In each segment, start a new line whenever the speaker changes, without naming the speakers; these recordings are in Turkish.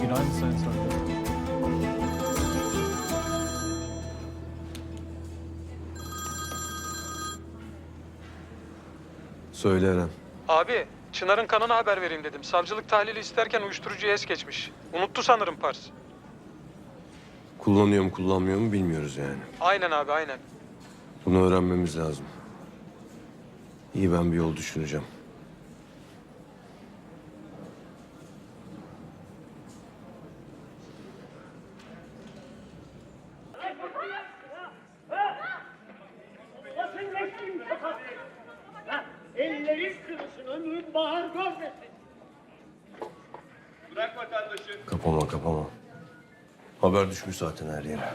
Günaydın Sayın Savcı.
Söyle Eren.
Abi, Çınar'ın kanına haber vereyim dedim. Savcılık tahlili isterken uyuşturucuya es geçmiş. Unuttu sanırım Pars.
Kullanıyor mu kullanmıyor mu bilmiyoruz yani.
Aynen abi, aynen.
Bunu öğrenmemiz lazım. İyi, ben bir yol düşüneceğim.
Basın geçtiğim sokak. Ellerin kırılsın, ömrün bahar görmesin.
Bırak vatandaşı.
Kapama. Haber düşmüş zaten her yere.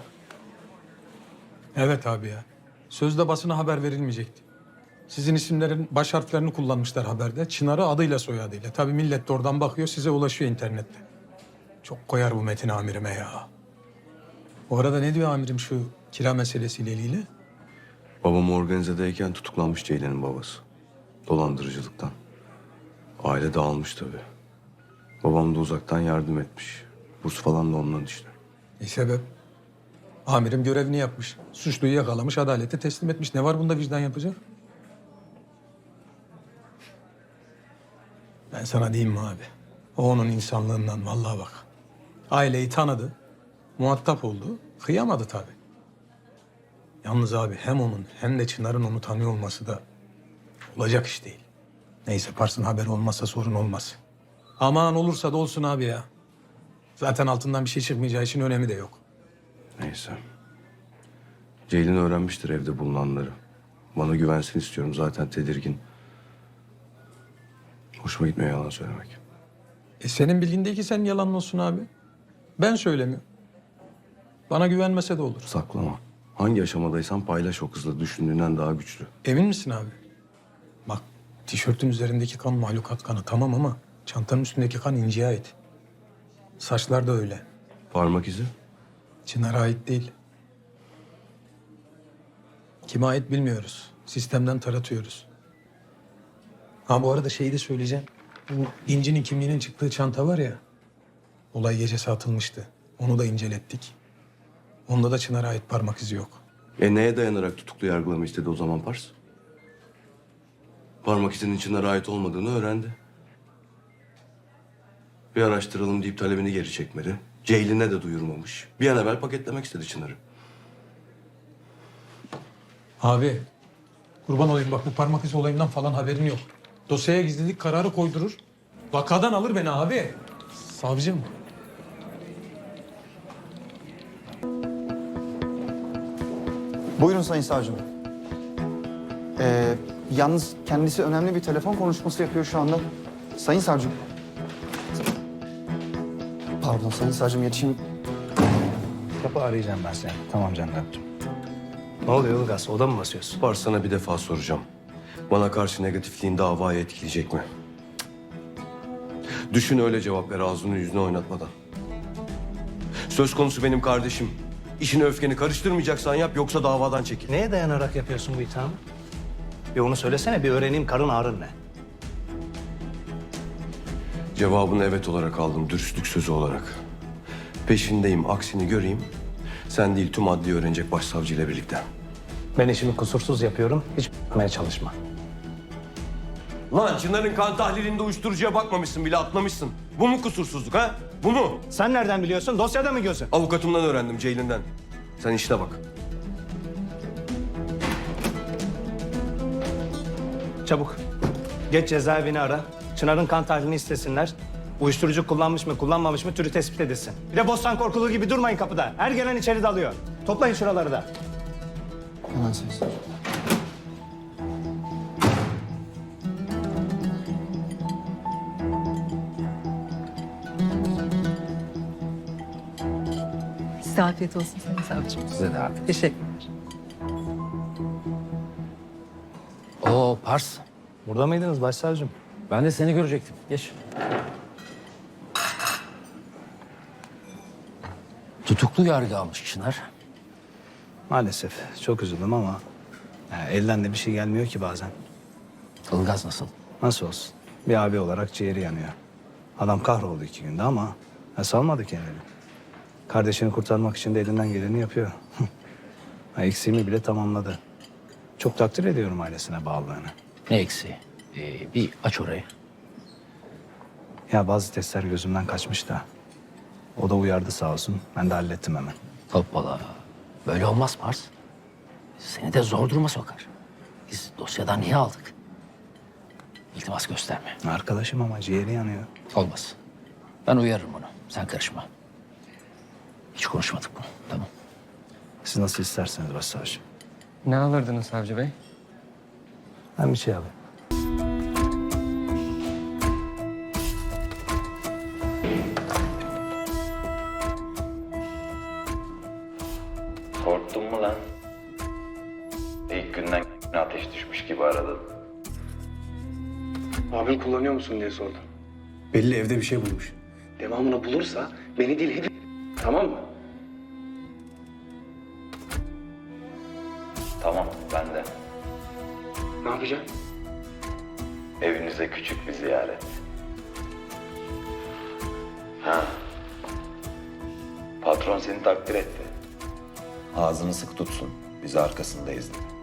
Evet abi ya. Sözde basına haber verilmeyecekti. Sizin isimlerin baş harflerini kullanmışlar haberde. Çınar'ı adıyla soyadıyla. Tabii millet de oradan bakıyor, size ulaşıyor internette. Çok koyar bu Metin amirime ya. Bu arada ne diyor amirim şu kira meselesiyle ilgili?
Babam organizedeyken tutuklanmış Ceylan'ın babası. Dolandırıcılıktan. Aile dağılmış tabii. Babam da uzaktan yardım etmiş. Burs falan da ondan işte.
Sebep? Amirim görevini yapmış. Suçluyu yakalamış, adalete teslim etmiş. Ne var bunda vicdan yapacak? Ben sana diyeyim mi abi? O onun insanlığından vallahi bak. Aileyi tanıdı, muhatap oldu, kıyamadı tabii. Yalnız abi hem onun hem de Çınar'ın onu tanıyor olması da olacak iş değil. Neyse Pars'ın haberi olmazsa sorun olmaz. Aman olursa da olsun abi ya. Zaten altından bir şey çıkmayacağı için önemi de yok.
Neyse. Ceylin öğrenmiştir evde bulunanları. Bana güvensin istiyorum, zaten tedirgin. Hoşuma gitmiyor yalan söylemek.
Senin bildiğin değil ki sen yalan olsun abi. Ben söylemiyorum. Bana güvenmese de olur.
Saklama. Hangi aşamadaysan paylaş, o kızla düşündüğünden daha güçlü.
Emin misin abi? Bak tişörtün üzerindeki kan mahlukat kanı tamam ama çantanın üstündeki kan İnci'ye ait. Saçlar da öyle.
Parmak izi?
Çınar'a ait değil. Kime ait bilmiyoruz. Sistemden taratıyoruz. Ha bu arada şeyi de söyleyeceğim. Bu İnci'nin kimliğinin çıktığı çanta var ya. Olay gecesi atılmıştı. Onu da incelettik. Onda da Çınar'a ait parmak izi yok.
Neye dayanarak tutuklu yargılama istedi o zaman Pars? Parmak izinin Çınar'a ait olmadığını öğrendi. Bir araştıralım deyip talebini geri çekmedi. Ceylin'e de duyurmamış. Bir an evvel paketlemek istedi Çınar'ı.
Abi kurban olayım bak bu parmak izi olayından falan haberin yok. Dosyaya gizlilik kararı koydurur. Vakadan alır beni abi. Savcım.
Buyurun Sayın Savcım. Yalnız kendisi önemli bir telefon konuşması yapıyor şu anda. Sayın Savcım. Pardon Sayın Savcım, yetişeyim.
Kapı arayacağım ben seni. Tamam Candat'cığım. Ne oluyor Ilgaz? Oda mı basıyorsun?
Pars, sana bir defa soracağım. Bana karşı negatifliğin davayı etkileyecek mi? Düşün, öyle cevap ver, ağzını yüzüne oynatmadan. Söz konusu benim kardeşim. İşini öfkeni karıştırmayacaksan yap, yoksa davadan çekil.
Neye dayanarak yapıyorsun bu ithamı? Bir onu söylesene, bir öğreneyim karın ağrın ne?
Cevabını evet olarak aldım, dürüstlük sözü olarak. Peşindeyim, aksini göreyim. Sen değil, tüm adliye öğrenecek başsavcıyla birlikte.
Ben işimi kusursuz yapıyorum, hiç yapmaya çalışma.
Lan Çınar'ın kan tahlilinde uyuşturucuya bakmamışsın bile, atlamışsın. Bu mu kusursuzluk ha? Bu mu?
Sen nereden biliyorsun? Dosyada mı gözün?
Avukatımdan öğrendim, Ceylin'den. Sen işine bak.
Çabuk. Geç cezaevini ara. Çınar'ın kan tahlilini istesinler. Uyuşturucu kullanmış mı, kullanmamış mı türü tespit edilsin. Bir de bostan korkulu gibi durmayın kapıda. Her gelen içeri dalıyor. Toplayın şuraları da.
Hemen Sayın Savcım.
Size afiyet olsun Sayın Savcım.
Size de abi.
Teşekkürler.
Oo Pars.
Burada mıydınız başsavcım?
Ben de seni görecektim. Geç. Tutuklu yargı almış Çınar.
Maalesef. Çok üzüldüm ama elden de bir şey gelmiyor ki bazen.
Ilgaz nasıl?
Nasıl olsun? Bir abi olarak ciğeri yanıyor. Adam kahroldu 2 günde ama Salmadı kendini. Kardeşini kurtarmak için de elinden geleni yapıyor. Eksiğimi bile tamamladı. Çok takdir ediyorum ailesine bağlılığını.
Ne eksiği? Bir aç orayı.
Ya bazı testler gözümden kaçmış da. O da uyardı sağ olsun. Ben de hallettim hemen.
Hoppala. Böyle olmaz Pars. Seni de zor duruma sokar. Biz dosyadan niye aldık? İltimas gösterme.
Arkadaşım ama ciğeri yanıyor.
Olmaz. Ben uyarırım onu. Sen karışma. Hiç konuşmadık bunu. Tamam.
Siz nasıl isterseniz başsavcım.
Ne alırdınız savcı bey?
Ben bir şey alayım.
Korktun mu lan? İlk günden ateş düşmüş gibi aradın.
Abim kullanıyor musun diye sordum. Belli evde bir şey bulmuş. Devamını bulursa beni değil hep... Tamam mı?
Tamam, ben de.
Ne yapacaksın?
Evinize küçük bir ziyaret. Ha. Patron seni takdir etti. Ağzını sık tutsun. Biz arkasındayız dedi.